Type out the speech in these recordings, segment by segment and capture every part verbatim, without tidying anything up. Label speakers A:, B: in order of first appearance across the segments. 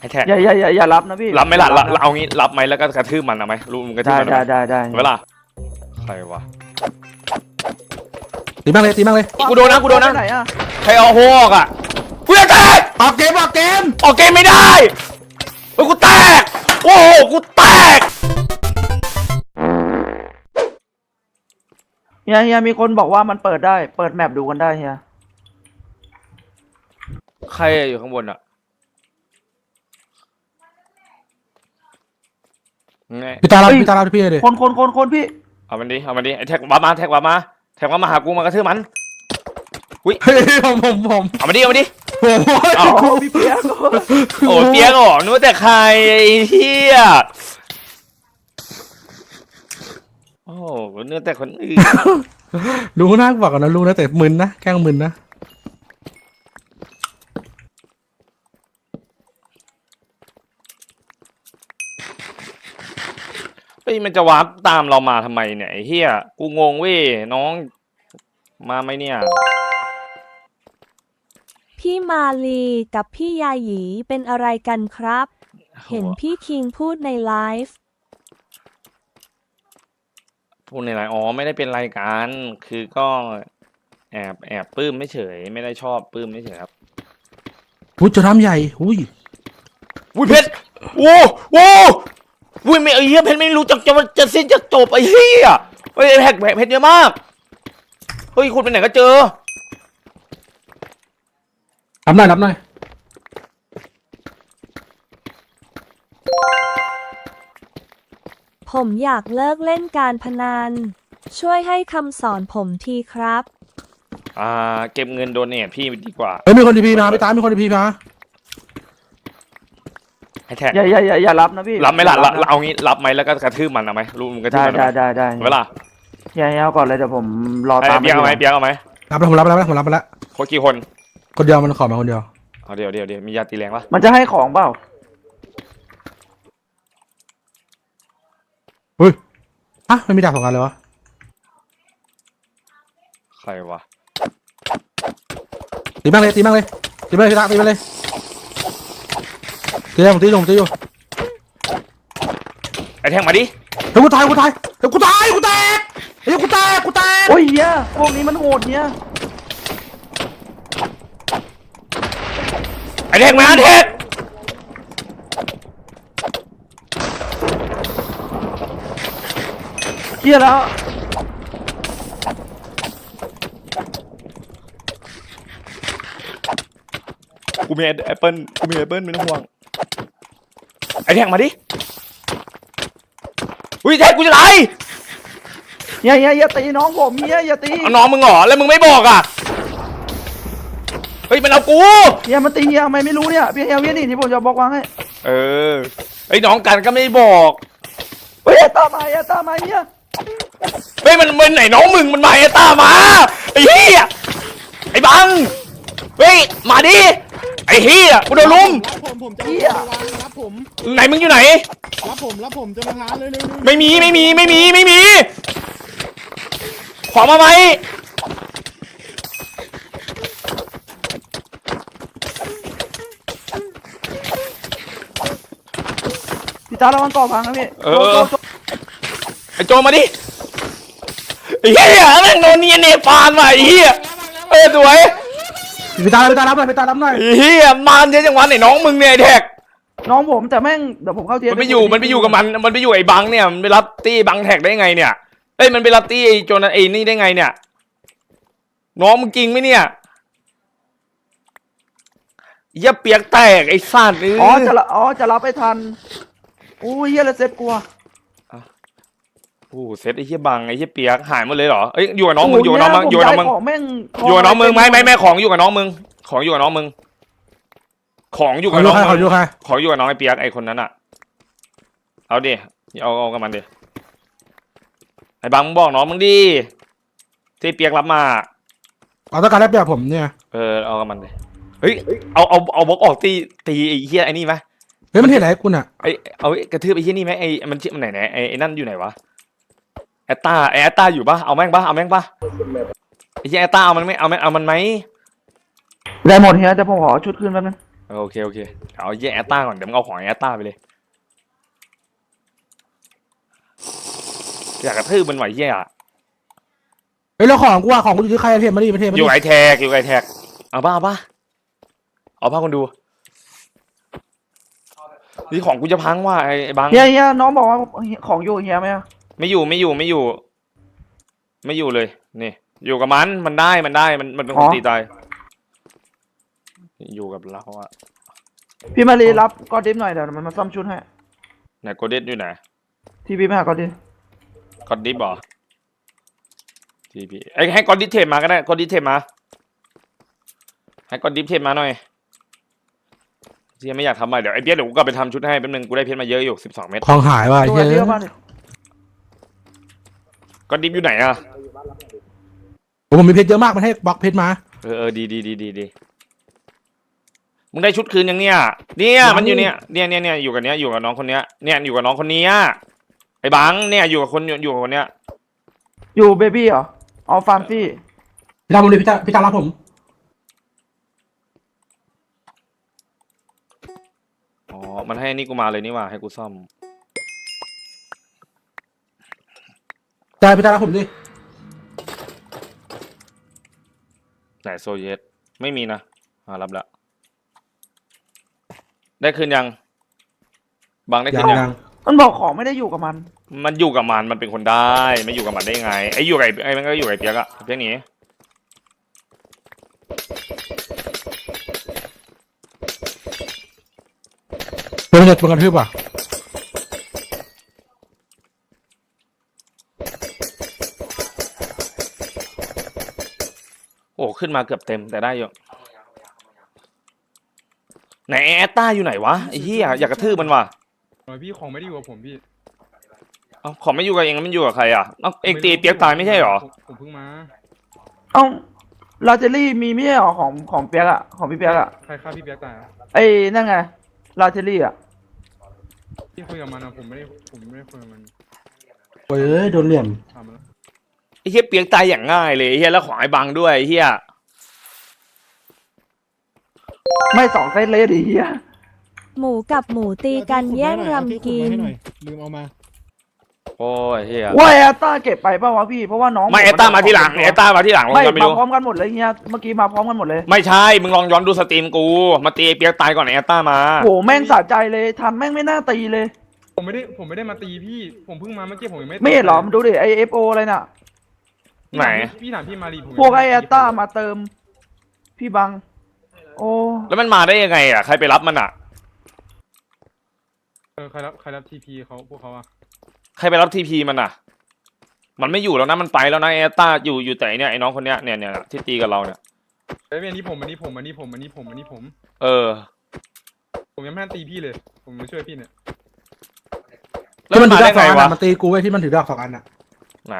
A: ให้แท็ก
B: อย่าอย่าอย่าอย่ารับนะพี่
A: รับไหมล่ะเอางี้รับไหมแล้วก็กระทืบมันเอาไหมรู้มันกระทืบมัน
B: ได้ได้ได้
A: เวลาใครวะ
C: ตีบ้างเลยตีบ้างเลย
A: กูโดนนะกูโดนนะใครเอาโฮกอ่ะกูจะแตก
C: ออกเกมออกเกม
A: ออกเกมไม่ได้เฮ้ยกูแตกโอ้โหกูแตก
B: เฮียเฮียมีคนบอกว่ามันเปิดได้เปิดแมปดูกันได้เฮีย
A: ใครอยู่ข้างบนอ่ะ
C: พี่ตาเราพี่ตาเราพี่เลย
B: คนคนคนคนพี่
A: เอามันดิเอามันดิไอ้แท็กวับมาแท็กวับมาแท็กวับมาหากูมากระทืบมันอุ้ย
C: ผมผมผม
A: เอามาดิเอามาดิ
B: โอ้พี่เปียก
A: โอ้เปียกอ๋อนึกว่าแต่ใครไอ้เหี้ยโอ้เนื้อแต่คนอื่น
C: รู้นะบอกก่อนนะรู้นะแต่มึนนะแกล้งมึนนะ
A: เฮ้ยมันจะวาร์ปตามเรามาทำไมเนี่ยไอ้เหี้ยกูงงเว้ยน้องมาไหมเนี่ย
D: พี่มาลีกับพี่ยาหยีเป็นอะไรกันครับเห็นพี่คิงพูดในไลฟ์
A: พูดในไลฟ์อ๋อไม่ได้เป็นรายการคือก็แอบแอบปลื้มไม่เฉยไม่ได้ชอบปลื้มไม่เฉยครับ
C: อุ้ยจะทำใหญ่อุ้ย
A: อุ้ยเพชรโอ้โอ้อุ้ยไม่ไอ้เหี้ยเพชรไม่รู้จักจะจะสิ้นจะจบไอ้เหี้ยเฮ้ยแฮกเพชรเยอะมากเฮ้ยคุณไปไหนก็เจอ
C: รับหน่อยรับหน่อย
D: ผมอยากเลิกเล่นการพนันช่วยให้คำสอนผมทีครับ
A: อ่าเก็บเงินโดเนทพี่ดีกว่า
C: เฮ้ยมีคนดีพีมาไปตามมีคนดีพีมา
A: ให้แท็ก
B: อย่าอย่าอย่าอย่ารับนะพี่
A: รับไหมล่ะเอางี้รับไหมแล้วก็กระทืบมันเอาไหมรู้มันกระทืบมัน
B: ได้ได้ได้
A: เวลา
B: อย่าเอาก่อนเลยเดี๋ยวผมรอตาม
A: เบียร์เอาไหมเบียร์เอาไหม
C: รับแล้วผมรับแล้วผมรับไปแล้ว
A: คนกี่คน
C: คนเดียวมันขอมาคนเดียว
A: เอาเดี๋ยวเดี๋ยวเดี๋ยวมียาตีแรงปะ
B: มันจะให้ของเปล่า
C: เฮ้ยอ่ะไม่มีดาบสองอันเลยวะ
A: ใครวะ
C: ตีบ้างเลยตีบ้างเลยตีบ้างเลยตีบ้างเลยตีผมตีผมตีอยู่
A: ไอ้แทงมาดิ
C: เฮ้ยกูตายกูตายเฮ้ยกูตายกูแตกเฮ้ยกูแตกกูแตก
B: โอ้ยเฮียพวกนี้มันโหดเฮีย
A: ไอ้แทงมาแทง
B: เฮียแล้ว
A: กูมีแอปเปิ้ลกูมีแอปเปิ้ลไม่ต้องห่วงไอ้แทงมาดิอุ้ยแทงกูจะตาย
B: เฮียเฮียอย่าตีน้องผมเฮียอย่าตี
A: เอาน้องมึงเหรอแล้วมึงไม่บอกอ่ะเฮ้ยมันเอากู
B: เฮียมันตีเฮียทำไมไม่รู้เนี่ยพี่เฮียเวียนี่ที่ผมจะบอกวางให้
A: เออไอ้น้องกันก็ไม่บอก
B: เฮ้ยตามมาเฮียตามมาเฮีย
A: เฮ้ยมันมันไหนน้องมึงมันมาไอ้ตามาไอ้เหี้ยไอ้บังเฮ้ยมาดิไอ้เหี้ยกูโดนลุม
E: รับผมผมจะมาวางรับผม
A: ไหนมึงอยู่ไหน
E: รับผมรับผมจะมาล้างเลยๆ
A: ไม่มีไม่มีไม่มีไม่มีขอมาไหม
B: พี่ตาระวังก่อพังนะพี่
A: เออไอ้โจมาดิไอ้เหี้ยแม่งโดนเนียนเนปาลว่ะไอ้เหี้ยเออสวย
C: ไปตาไปตารับหน่อยไปตารับหน่อย
A: ไอ้เหี้ยมันเยอะจังวะไหนน้องมึงเนี่ยแท็ก
B: น้องผมแต่แม่งเดี๋ยวผมเข้าเทีย
A: มันไปอยู่มันไปอยู่กับมันมันไปอยู่ไอ้บังเนี่ยมันไปรับตี้บังแท็กได้ไงเนี่ยเอ้ยมันไปรับตี้ไอ้โจนันไอ้นี่ได้ไงเนี่ยน้องมึงจริงไหมเนี่ยอย่าเปียกแตกไอ้สัตว์
B: อ๋อจะอ๋อจะรับไปทันอู้ยเฮียเลยเซ็ตกลัว
A: โอ้เซ็ตไอ้เหี้ยบังไอ้เหี้ยเปียกหายหมดเลยเหรอเอ้ยอยู่กับน้องมึงอยู่กับน้องมึงอยู่กับน้องมึงอยู่กับน้องมึงไม่ไม่ไม่ของอยู่กับน้องมึงของอยู่กับน้องมึงของอยู่กับน้อง
C: ของอยู่ใคร
A: ของอยู่กับน้องไอ้เปียกไอ้คนนั้นอ่ะเอาดิเอาเอากับมันดิไอ้บังมึงบอกน้องมึงดิที่เปียกรับมา
C: เอาต้องการได้แบบผมเนี่ย
A: เออเอากับมันดิเฮ้ยเอาเอาเอาบล็อกออกตีตีไอ้เหี้ยไอ้นี่ไหม
C: เฮ้ยมันเห็นอะไรกูน่ะ
A: ไอ้เอากระทืบไอ้เหี้ยนี่ไหมไอ้มันชื่อมันไหนไหนไอ้ไอ้นั่นอยู่ไหนวะแอตตาไอ้แอตตาอยู่ปะเอาแม่งปะเอาแม่งปะไอ้เหี้ยแอตตาเอามันไม่เอาแม่งเอามันไหม
B: ได้หมดเฮียแต่ผมขอชุดขึ้นแป๊บนึง
A: เออโอเคโอเคเอาเหี้ยแอตตาก่อนเดี๋ยวมึงเอาของแอตตาไปเลยอยากกระทืบมันไหวเหี้ยอะ
C: เฮ้ยแล้วของกูอะของกูอยู่ที่ใครเทมมาดิมาเทมมา
A: อ
C: ดิ
A: ยู่ไอแท็กอยู่ไอแท็กเอาป่ะเอาป่ะเอาป่ะคนดูนี่ของกูจะพังว่ะไอ้ไอ้บัง
B: เฮียเฮียน้องบอกว่าของอยู่เฮียไหมอะ
A: ไม่อยู่ไม่อยู่ไม่อยู่ ไม่อยู่เลยนี่อยู่กับมันมันได้มันได้มันมันเป็นคนตีตายอยู่กับเราอะ
B: พี่มารีรับกอดิฟหน่อยเดี๋ยวมันมาซ่อมชุดให้
A: ไหนโกเด้อยู่ไหน
B: ทีพีไม่หากอดิฟ
A: กอดดิฟบอทีพีไอ้ให้กอดดิฟเทปมาก็ได้กอดดิฟเทปมาให้กอดดิฟเทปมาหน่อยที่ยังไม่อยากทำอะไรเดี๋ยวไอ้เบี้ยเดี๋ยวกูกลับไปทำชุดให้แป๊บนึงกูได้เพชรมาเยอะอยู่สิบสองเม็ด
C: ของหายว่ะ
B: ตัว
C: เฮ้ย
B: เดียวบ้านดิ
A: กอดดิฟอยู่ไหนอะ
C: ผมมีเพชรเยอะมากมันให้บล็อกเพชรมา
A: เออเออดีดีดีดีดีมึงได้ชุดคืนยังเนี่ยเนี่ยมันอยู่เนี่ยเนี่ยเนี่ยเนี่ยอยู่กับเนี้ยอยู่กับน้องคนเนี้ยเนี่ยอยู่กับน้องคนเนี้ยไอ้บังเนี่ยอยู่กับคนอยู่กับคนเนี้ย
B: อยู่เบบี้เหรอเอาฟาร์มซี่
C: พี่ตามผมดิพี่ตามพี่ตามรับผม
A: อ๋อมันให้นี่กูมาเลยนี่ว่าให้กูซ่อม
C: ได้พี่ตามรับผมดิ
A: ไหนโซเยตไม่มีนะอ่ารับละได้คืนยังบังได้คื
C: ยัง
A: นยัง
C: ยัง
B: มันบอกของไม่ได้อยู่กับมัน
A: มันอยู่กับมันมันเป็นคนได้ไม่อยู่กับมันได้ไงไอ้อยู่กับไอ้ไอ้มันก็อยู่กับไอ้เปียกอะเปียกหนี
C: เดี๋ยวมันจะตัวกันทืบอ่ะ
A: โอ้ขึ้นมาเกือบเต็มแต่ได้อยู่ไหนแอตต้าอยู่ไหนวะไอ้เหี้ยอยากกระทืบมันว่ะ
E: เออพี่ของไม่ได้อยู่กับผมพี่
A: เอ้าขอไม่อยู่กับเองมันอยู่กับใครอ่ะเอ้าเองตีเปียกตายไม่ใช่หรอ
E: ผมผมเพิ่งมา
B: เอ้าลาเจลี่มีไม่ใช่เหรอของของเปียกอะของพี่เปียกอะ
E: ใครฆ่าพี่เปียกตายอะ
B: ไอ้นั่นไงลาเจลี่อะ
E: พี่คุยกับมันอะผมไม่ได้ผมไม่ได้คุยกับมัน
C: เฮ้ยโดนเหลี่ยม
E: ถามมันแล้ว
A: ไอ้เหี้ยเปียกตายอย่างง่ายเลยไอ้เหี้ยแล้วของไอ้บังด้วยไอ้เหี้ย
B: ไม่สองเซตเลยดิเฮีย
D: หมูกับหมูตีกันแย่งรำกิน
E: เอาที่ขุดมาให้หน่อยลืมเอามา
A: โอ้ยเหี้ย
B: ว่าแอตตาเก็บไปป่าวะพี่เพราะว่าน้อง
A: ไม่แอตต้ามาที่หลังแอตต้ามาที่หลังลอง
B: ไม่
A: ย้อนไป
B: มา
A: ดู
B: พร้อมกันหมดเลยเฮียเมื่อกี้มาพร้อมกันหมดเลย
A: ไม่ใช่มึงลองย้อนดูสตรีมกูมาตีไอ้เปียกตายก่อนไอ้แอตต้ามา
B: โหแม่งสะใจเลยทันแม่งไม่น่าตีเลย
E: ผมไม่ได้ผมไม่ได้มาตีพี่ผมเพิ่งมาเมื่อกี้ผมยังไม่
B: ไม่เห็นเหรอมันดูดิไอเอฟโออะไรน่ะ
E: พี่
A: ไหน
E: ถามพี่พี่ถามพี่มารีผมยัง
B: พวกไอ
E: ม่
B: แอ
E: ด้
B: ตตามาเติม พี่บัง โอ้
A: แล้วมันมาได้ยังไงอ่ะใครไปรับมันอ่ะ
E: เออใครรับใครรับทีพีเขาพวกเขาอะ
A: ใครไปรับทีพีมันอ่ะ มันไม่อยู่แล้วนะมันไปแล้วนะแอตต้าอยู่อยู่แต่เนี่ยไอ้น้องคนเนี้ยเนี่ยเนี่ยที่ตีกับเราเนี่ย
E: เอ้ยอันนี้ผมอันนี้ผมอันนี้ผมอันนี้ผมอันนี้ผม
A: เออ
E: ผมยังไม่ทันตีพี่เลย ผมมาช่วยพี่เนี่ย
A: แล้วมันมาได้ไงวะ
C: มันตีกูไว้ที่มันถือดอกสองอันอ่ะ
A: นะ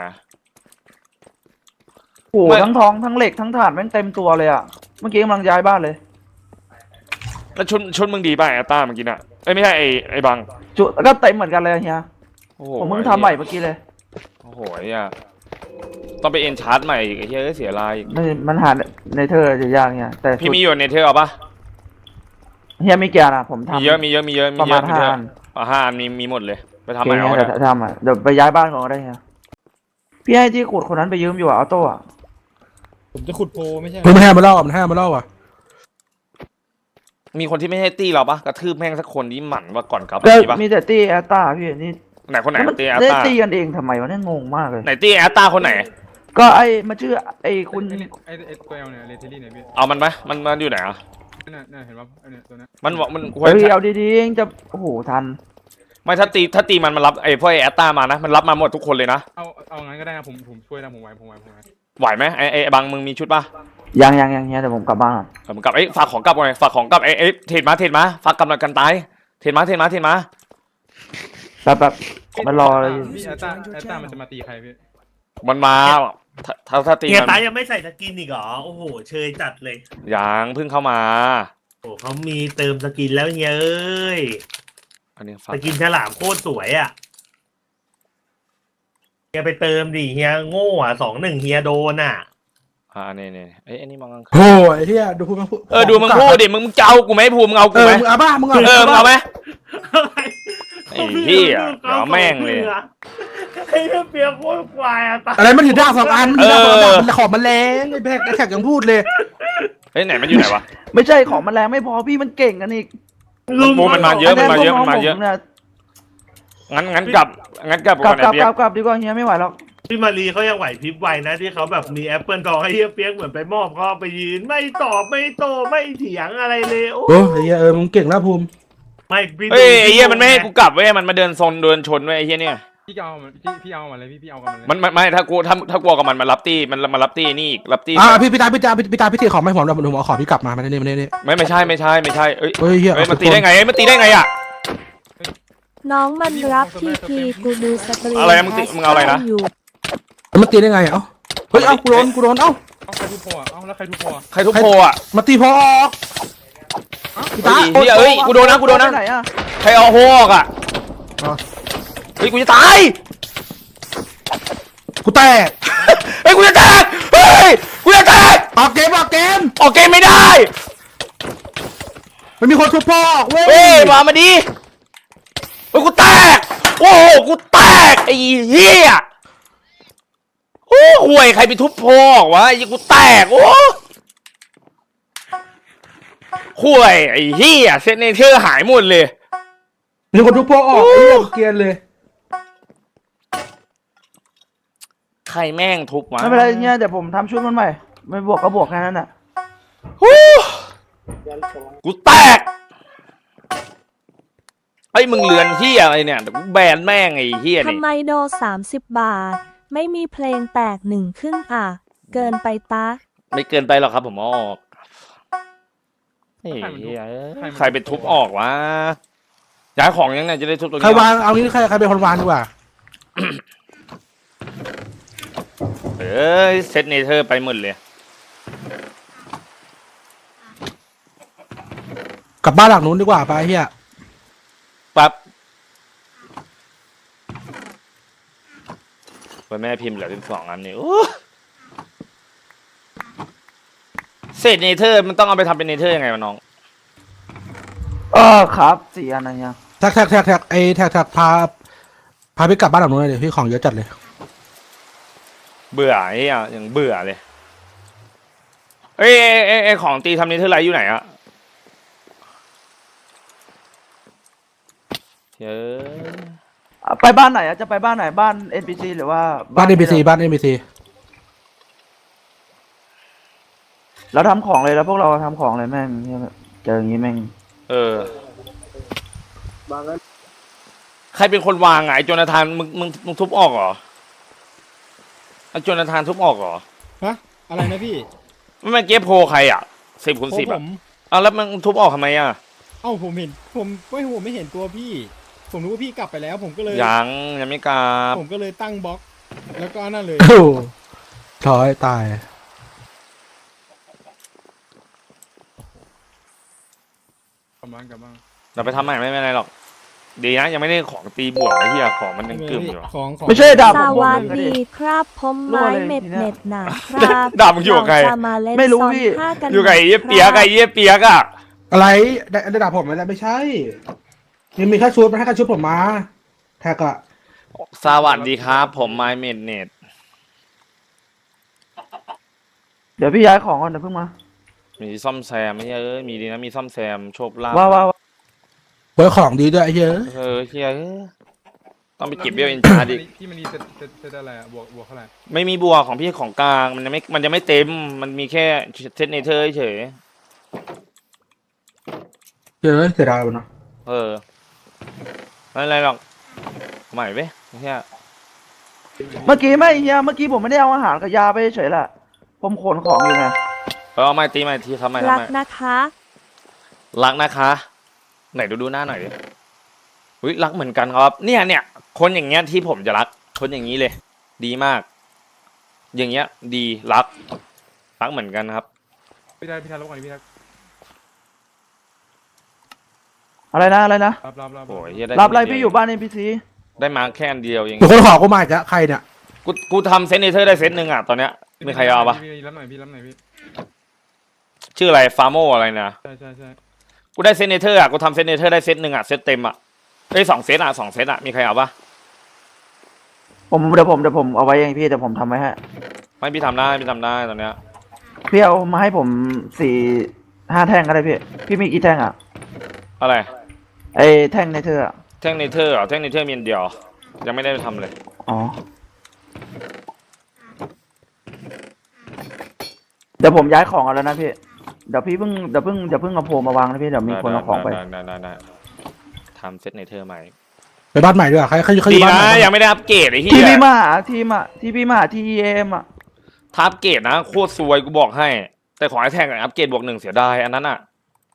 B: โหทั้งทองทั้งเหล็กทั้งถ่านแม่งเต็มตัวเลยอ่ะ เมื่อกี้กำลังย้ายบ้านเลย
A: แล้วชุดชุดมึงดีป่ะแอตต้าเมื่อกี้น่ะเอ้ยไม่ใช่ไอ้ไอ้บัง
B: จุดแล้วก็เต็มเหมือนกันเลยเฮีย
A: โอ้โห
B: ผมเพิ่งทำใหม่เมื่อกี้เลย
A: โอ้โหไอ้เหี้ยต้องไปเอ็นชาร์จใหม่อีกไอ้เหี้ยเสียลายอีก
B: มันมันหาในเธอจะยากเฮียแต่
A: พี่มีอยู่ในเทอร์เอาปะ
B: เฮียไม่เกี่ยวนะผมทำ
A: มีเยอะมีเยอะมีเยอะ
B: ป
A: มี
B: ระ
A: เย
B: มา
A: อะ
B: ณ
A: มี
B: ห้า
A: เยอะ
B: อัน
A: อ่ะห้าอันมีมีหมดเลยไปทำ
B: โอ
A: ใหม่
B: เค
A: เอา
B: เฮีย
A: เนี่ย
B: เดี๋ยวทำอ่ะเดี๋ยวไปย้ายบ้านก่อนก็ได้เฮียพี่ให้ที่ขุดคนนั้นไปยืมอยู่อ่ะออโต้อ่ะ
E: ผมจะขุดโพไม่ใช่
C: เฮ้ยมันให้มาเล่าอ่ะมันให้มาเล่าอ่ะ
A: มีคนที่ไม่ให้ตีเราปะกระทืบแม่งสักคนที่หมั่นว่าก่อนกลับ
B: ก็
A: มีปะ
B: มีแต่ตี้แอตตาพี่นี่
A: ไหนคนไหน
B: แล้วมัน
A: ตีแอต
B: ได้
A: ตา
B: ตีกันเองทำไมวะเนี่ยงงมากเลย
A: ไหนตีแอตตาคนไหน
B: ก็ไอ้มาชื่อไอ้คุณ
E: ไอ้เนี่ยไอ้ไอ้ตัวเอลเนี่ยเลเทอรี่เนี่ยพี่
A: เอามันไหมมันมันอยู่ไหนอ่ะ
E: น่ะน่ะเห็นปะไอ้เนี่ยตัวเนี้ย
A: มันบอกมันควร
B: เฮ้ย
A: จะ
B: เอาดีๆเองจะโอ้โหทัน
A: ไม่ถ้าตีถ้าตีมันมันรับไอ้พวกไอ้แอตตามานะมันรับมาหมดทุกคนเลยนะ
E: เอาเอางั้นก็ได้นะผมผมช่วยนะผมไหวผมไหวผมไหว
A: ไหวไหมไอ้ไอ้บางมึงมีชุดปะ
B: ยังยังยังเฮียแต่ผมกลับบ้านก่อน
A: เออมึงกลับไอ้ยฝากของกลับก่อนไงฝากของกลับไอ้ไอ้เทรดมาเทรดมาฝากกำลังกันตายเทรดมาเทรดมาเทรดมา
B: แป๊บแป๊บมารอเลย
E: พี่แอตตาแอตตามันจะมาตีใครพี่
A: มันมาถ้าถ้าถ้าตี
F: เฮีย
A: มัน
F: ตายังไม่ใส่สกินอีกเหรอ โอ้โห เชยจัดเลย
A: ยังเพิ่งเข้ามา
F: โอ้เขามีเติมสกินแล้วเฮียเอ้ย
A: อันนี้ฝาก
F: สกินฉลามโคตรสวยอ่ะเฮียไปเติมดิเฮียโง่อ่ะสองหนึ่งเฮียโดนอ่ะ
A: อ่าเนี่ยเนี่ยเอ้ยอันนี้มองกลางคืน
C: โอ้ยเฮียดูพูดมาพูด
A: เออดูมึงพูดดิมึงมึงจะเอากูไหมพูมึงเอา
C: เอ
A: กู
C: อ
A: ไหม
C: มึงเอาบ้ามึงเอา
A: เออมึงเอาไหม
F: อะไร
A: ไอ้เหี้ยเดี๋ยวแม่งเลย
F: ไอ้เหี้ยเปียกโคตรควายอะตาย
C: อะไรมันถือดาบสองอันมันถือดาบสองอันมันขอบมันแรงไอ้แบกไอ้แขกยังพูดเลย
A: เฮ้ยไหนมันอยู่ไหนวะ
B: ไม่ใช่ของมันแรงไม่พอพี่มันเก่งกันอีก
A: โมมันมาเยอะมันมาเยอะมันมาเยอะ
B: นี่
A: งั้นงั้นกลับงั้นกลับ
B: กลับ
A: ก่อน
B: กลับ
A: ไอ้เปียก
B: กลับกลับดีกว่าเฮียไม่ไหวหรอก
F: พี่มารีเขายังไหวพริบไวนะที่เขาแบบมีแอปเปิลทองให้เฮียเปียกเหมือนไปมอบเขาเอาไปยืนไม่ตอบไม่โตไม่เถียงอะไรเลยโอ้
C: โอ้ยไอ้เฮียเออมึงเก่งแล้วภูมิ
F: ไม่พี่
A: เฮ้ยไอ้เหี้ยมันไม่ให้กูกลับเว้ยมันมาเดินโซนเดินชนเว้ยไอ้เหี้ยเนี่ย
E: พี่เอามันพี่พี่เอามาเลยพี่พี่เอากันมาเลย
A: มันมันไม่ถ้ากูถ้าถ้ากลัวกับมันมารับตี้มันมารับตี้นี่อีกรับตี้
C: อ่าพี่พี่ตาพี่ตาพี่ตาพี่ตีของไม่ผมเราผมเอาของพี่กลับมามาเนี่ยมาเนี่ย
A: ไม่ไม่ใช่ไม่ใช่ไม่ใช่เอ้ย
C: เฮ้ยเฮีย
A: เฮ้ยมันตีได้ไงเอ้ยมันตีได้ไงอ่ะ
D: น้องมันรับทีพีกูดูสตรีม
A: อะไรนะมึงติมึงเอาอะไรนะ
D: อยู่
C: มันตีได้ไงเอ้าเฮ้ยเอ้ากูโดนกูโดนเอ้า
E: เอาใครทุบโพอ่ะเอาแล้วใครทุบโพอ่ะ
A: ใครทุบโพอ่ะ
C: มาตีพอออกพี่ตา
A: เฮ้ยเฮ้ยกูโดนนะกูโดนนะ
B: ไปไหนอะ
A: ใครเอาโฮออกอ่ะ
C: อ๋อ
A: เฮ้ยกูจะตาย
C: กูแตก
A: เฮ้ยกูจะแตกเฮ้ยกูจะแตก
C: ออกเกมออกเกม
A: ออกเกมไม่ได้
C: มันมีคนทุบพ่อออกเว้ย
A: เฮ้ยมามาดิเฮ้ยกูแตกโอ้โหกูแตกไอ้เหี้ยโอ้ห่วยใครไปทุบโพออกวะไอ้กูแตกโอ้ห่วยไอ้เหี้ยเซนเนเธอร์หายหมดเลย
C: มีคนทุบพ่อออกไอ้เหี้ยเกรียนเลย
A: ใครแม่งทุบวะ
B: ไม่เป็นไรเฮียเดี๋ยวผมทำชุดมันใหม่ไม่บวกก็บวกแค่นั้นน่ะ
A: ฮู้กูแตกไอ้ยมึงเลือนเหี้ยอะไรเนี่ยเดี๋ยวกูแบนแม่งไอ้เหี้ยนี่
D: ทำไมโดสามสิบบาท ไม่มีเพลงแตกหนึ่งครึ่งอ่ะ เกินไปตะ
A: ไม่เกินไปหรอกครับผมเอาออกไอ้เหี้ยใครไปทุบออกวะย้ายของยังไงจะได้ทุบตรง
C: ใคร
A: นี้
C: วางเอางี้ใครใครเป็นคนวางดีกว่า
A: เอ้ยเซตเนเธอร์ไปหมดเลย
C: กลับบ้านหลังนู้นดีกว่าไปเฮีย
A: ปั๊บไปแม่พิมพ์เหลือเป็นสองอันนี่โอ้เศษเนเธอร์มันต้องเอาไปทำเป็นเนเธอร์ยังไงวะน้อง
B: เออครับสี่อันนะเฮีย
C: แท็กแท็กแท็กแท็กไอ้แท็กแท็กพาพาพี่กลับบ้านหลังนู้นเลยดิพี่ของเยอะจัดเลย
A: เบื่อไอ้เหี้ยอย่างเบื่อเลยเอ้ยเอ้ยเอ้ยเอ้ยของตีทำเนเธอร์ไลท์อยู่ไหนอะเฮ้ย
B: อ่ะไปบ้านไหนอะจะไปบ้านไหนบ้าน เอ็น พี ซี หรือว่า
C: บ้านเอ็มบีซีบ้านเอ็มบีซี
B: เราทำของเลยแล้วพวกเราทำของเลยแม่งเหี้ยเจออย่างงี้แม่ง
A: เออใครเป็นคนวางอะไอ้โจนาธานมึงมึงมึงทุบออกเหรอไอ้โจนาธานทุบออกเหรอ
G: ฮะอะไรนะพี่
A: ไม่แม่งเก็บโพลใครอ่ะสิบคูณสิบ
G: ผ
A: อ่ะ
G: ม
A: เอาแล้วมึงทุบออกทำไมอ่ะ
G: เอ้าผมเห็นผมไม่ผมไม่เห็นตัวพี่ ผมรู้ว่าพี่กลับไปแล้ว ผมก็เลย
A: ยังยังไม่กลับ
G: ผมก็เลยตั้งบล็อก แล้วก็นั่นเลย
C: โอ้ถอยตาย
E: กลับบ้านกลับบ้าน
A: เราไปทำใหม่ไม่เป็นไรหรอกดีนะยังไม่ได้ของตีบวกไอ้เหี้ยของมันยังกึ่มอยู่
G: ของของ
B: ไม่ใช่ดาบ
D: ส
B: ผมบวก
D: วัส
B: หนึ่งอะ
D: ดี
B: ดิ
D: ครับผมไม้
B: รั่วเลย
D: เม็ด
B: ทีเนี้ย
D: เม็ดหนาครับ
A: ดาบมึงอยู่กับใคร
D: เาจะมาเล่น
B: ไม่รู้
D: ซ้อน
B: พี่
D: ผ้ากัน
A: อยู่กับไอ้เหี้ยเปียกไอ้เหี้ยเปียกอ่ะ
C: อะไรได้ได้ด่าผมไหมล่ะไม่ใช่ยังมีค่าชุดมันให้ค่าชุดผมมาแท็กอะ
A: สวัสดีครับ ผมไมเมดเน็ต
B: เดี๋ยวพี่ย้ายของก่อนเดี๋ยวเพิ่งมา
A: มีซ่อมแซมไม่ใช่เอ้ยมีดีนะมีซ่อมแซมโชคลาภ
B: ว้าวว้าวว้าว
C: ไว้ของดีด้วยไอ้เหี้ย
A: เออเหี้ยเอ้ยต้องไปเก็บเบี้ยเอ็นชาร์ดิ
E: พี่มันดีเซตเซตเซตอะไรอ่ะบวกบวกเท่าไหร่
A: ไม่มีบวกของพี่ของกลางมันยังไม่มันยังไม่เต็มมันมีแค่เซตเนเธอร์เฉย
C: เจอเสียดายว่ะเนาะ
A: เออไม่เป็นไรหรอกใหม่เว้ยเหี้ย
B: เมื่อกี้ไม่เฮียเมื่อกี้ผมไม่ได้เอาอาหารกับยาไปเฉยๆแหละผมขนของอยู่ไง
A: เออเอาไม้ตีไม้ทีทำไมทำ
D: รัก
A: ไม
D: นะคะ
A: รักนะคะ ไหนดูดูหน้าหน่อยดิอุ้ยรักเหมือนกันครับ เนี่ยเนี่ยคนอย่างเงี้ยที่ผมจะรัก คนอย่างนี้เลย ดีมาก อย่างเงี้ย ดีรัก รักเหมือนกันครับ
E: พี่ได้พี่ทันรบกวนพี่ทัน
B: อะไรนะอะไรนะ
E: รับรับรับ
A: โอ้ยเหี้ยด้
B: รับอะไร
A: คนเดีว
B: พี่อยู่บ้าน เอ็น พี ซี
A: ได้มาแค่อันเดียวเอง
C: เดี๋ยวคนขอกูมาอีกแล้วใครเนี่ย
A: กูกูทำเซตเนเธอร์ได้เซตหนึ่งอ่ะตอนเนี้ยมีใครเอาปะ
E: พี่รับหน่อยพี่รับหน่อยพี่
A: ชื่ออะไรฟาโมอะไรนะ
E: ใช่ใช่ใช่
A: กูได้เซตเนเธอร์อ่ะกูทำเซตเนเธอร์ได้เซตหนึ่งอ่ะเซตเต็มอ่ะเอ้ยสองเซตอ่ะสองเซตอ่ะมีใครเอาปะ
B: ผมเดี๋ยวผมเดี๋ยวผมเอาไว้เองพี่แต่ผมทำไว้ให้
A: ไม่พี่ทำได้พี่ทำได้ตอนเนี้ย
B: พี่เอามาให้ผมสี่ห้าแท่งก็ได้พี่พี่มีกี่แท่งอ่ะ
A: อะไร
B: ไอ้แท่งในเธออะ
A: แท่งเนเธอร์เหรอแท่งเนเธอร์มีอันเดียวยังไม่ได้ทำเลย
B: อ๋อเดี๋ยวผมย้ายของเอาแล้วนะพี่เดี๋ยวพี่เพิ่งเดี๋ยวเพิ่งเดี๋ยวเพิ่งเอาโพลมาวางนะพี่เดี๋ยวมีคนเอาของไป
A: ได้ได้ได้ได้ทำเซตเนเธอร์ใหม่
C: ไปบ้านใหม่ด้วยใครใครใครอ
A: ดี
C: ยู่บ้าน
A: นะ
C: ใหม่
A: ยังไม่ได้อัปเกรดไอ้เหี้
B: ที่
A: ย
B: พี่มาหาทีมอ่ะที่พี่มาหาทีเอ็มอ่ะ
A: ถ้าอัปเกรดนะโคตรซวยกูบอกให้ แต่ของไอ้แท่งอะอัปเกรดบวกหนึ่งเสียดายอันนั้นอ่ะ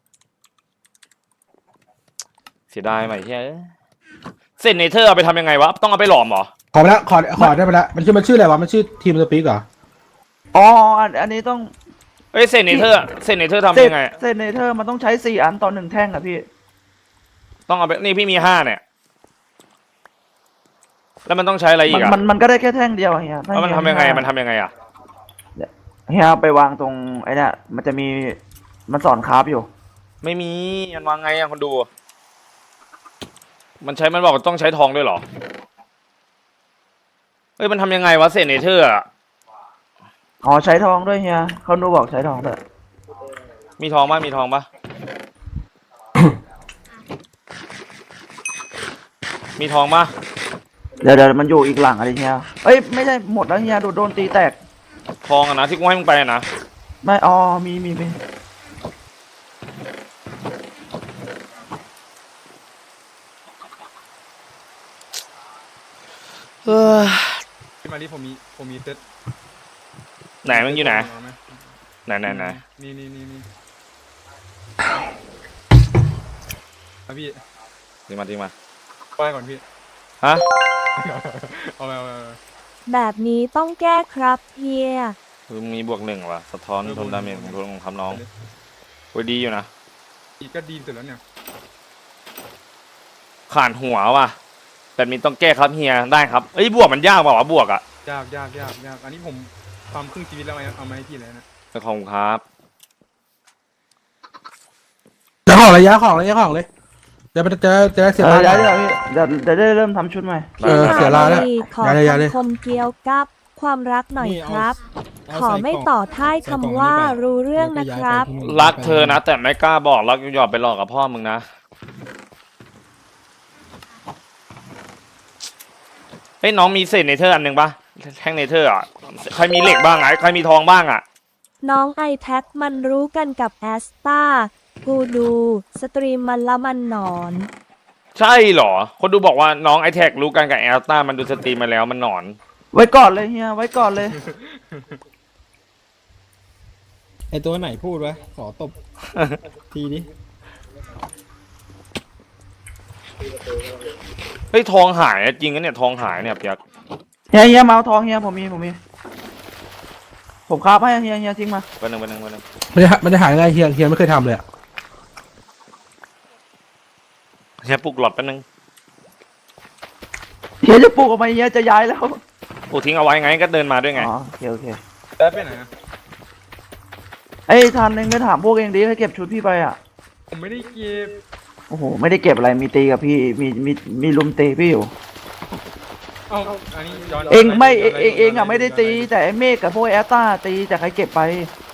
A: เสียดายใหม่เหี้ยเซตเนเธอร์เอาไปทำยังไงวะต้องเอาไปหลอมเหรอ
C: ขอไปแล้วขอขอได้ไปแล้วมันชื่อมันชื่ออะไรวะมันชื่อทีมสปีกเหรอ
B: อ๋ออันอันนี้ต้อง
A: เอ้ยเซตเนเธอร์เซตเนเธอร์
B: เซ
A: ทำ
B: ต
A: ยังไง
B: เซตเนเธอร์มันต้องใช้สี่อันต่อหนึ่งแท่งอ่ะพี่
A: ต้องเอาไปนี่พี่มีห้าเนี่ย แล้วมันต้องใช้อะไรอี
B: มัน
A: กอะ
B: มันมันก็ได้แค่แท่งเดียวอะเฮียถ้า
A: แล้วมัน
B: เฮี
A: ทำยังไง
B: ห้า
A: มันทำยังไงอะ
B: เฮียไปวางตรงไอ้เนี่ยมันจะมีมันสอนคราฟอยู่
A: ไม่มีมันวางไงอะคนดู มันใช้มันบอกว่าต้องใช้ทองด้วยเหรอเอ้ยมันทำยังไงวะเซตเนเธอร์อะ
B: อ๋อใช้ทองด้วยเฮียเขาดูบอกใช้ทองด้วย
A: มีทองปะมีทองปะ มีทองปะ
B: เดี๋ยวเดี๋ยวมันอยู่อีกหลังอะไรเฮียเอ้ยไม่ใช่หมดแล้วเฮียโดนโดนตีแตก
A: ทองอะนะที่กูให้มึงไปอะนะ
B: ไม่อ๋อมีมีมี
A: เออ
E: พี่มาดิผมมีผมมีเซ็ต
A: ไหนมึงอยู่ไหน
E: เาไหม
A: ไหนไหนไหน
E: นี่นี่นี่นี่เอาพี่
A: ทิ้งมาทิ้งมา
E: ไปก่อนพี่
A: ฮะ
E: เอาไปเอาไปเอาไป
D: แบบนี้ต้องแก้ครับเฮีย
A: มึงมีบวกหนึ่งวะสะท้อนทนดาเมจของทนของคำน้องโอ้ยดีอยู่นะ
E: อีกก็ดีสุดแล้วเนี่ย
A: ขาดหัวว่ะแบบนี้ต้องแก้ครับเฮียได้ครับเอ้ยบวกมันยากเปล่าวะบวกอะ
E: ยากยากยากยากอันนี้ผมความครึ่งชีวิตแล้วเอามาให้พี่เลยนะ
A: ขอบคุณครับ
C: ย้ายของเลยย้ายของเลยย้ายของเลยจะไปจะจะได้เสีย
B: เอ
C: เว
B: อ
C: ลา
B: เดี๋ยวเดี๋ยวพี่เดี๋ยวเดี๋ยวได้เริ่มทำชุดใหม่
C: เออเสียเวลาแล้ว
D: พี่ขอ
C: ย้ายเลยย้ายเลย
D: คำคมเกี่ยวกับความรักหน่อย
G: นี่เอา
D: ครับ
G: เอา
D: ขอ
G: ใส่
D: ไม่
G: กล่ง
D: ต่อท้าย
G: ใส่กล่อง
D: คำว่า
G: นี้ไป
D: รู้เรื่องนะครับ
A: รักเธอนะ แต่ไม่กล้าบอกรักหยอดไปหลอกกับพ่อมึงนะเฮ้ยน้องมีเศษเนเธอร์อันหนึ่งปะแท่งเนเธอร์อ่ะใครมีเหล็กบ้างอ่ะใครมีทองบ้างอ่ะ
D: น้องไอแท็กมันรู้กันกับแอสตากูดูสตรีมมันละมันหนอน
A: ใช่เหรอ คนดูบอกว่าน้องไอแท็กรู้กันกับแอลต้ามันดูสตรีมมาแล้วมันหนอน
B: ไว้ก่อนเลยเฮียไว้ก่อนเลย
G: ไอตัวไหนพูดวะขอตบ ทีนี้
A: เฮ้ยทองหายอะจริงนะเนี่ยทองหายเนี่ยเปียก
B: เฮียเฮียมาเอาทองเฮียผมมีผมมี ผมคราฟให้เฮียเฮียทิ้งมา
A: วันหนึ่งวันหนึ่งวันหนึ่ง
C: ไม่ได้ไม่ได้หายังไงเฮียเฮียไม่เคยทำเลยอะ
A: เฮียปลุกหลอดแป๊บนึง
B: เฮียจะปลูกออกมาเฮียจะย้ายแล้ว
A: ปลุกทิ้งเอาไว้ไงก็เดินมาด้วยไง
B: อ๋อโอเคโอเค
E: แล้วไปไหนอะ
B: ไอ้ยทันเองไปถามพวกเองดิให้เก็บชุดพี่ไปอ่ะ
E: ผมไม่ได้เก็บ
B: โอ้โหไม่ได้เก็บอะไรมีตีกับพี่มีมีมีลุมตีพี่อยู่
E: เอาอันนี้ย้อน
B: เองไม่
E: ย้
B: เอน งเองเองอ่ะไม่ได้ตี แต่ไอ้เมฆกับพวกแอตตาตีแต่ใครเก็บไป
E: อ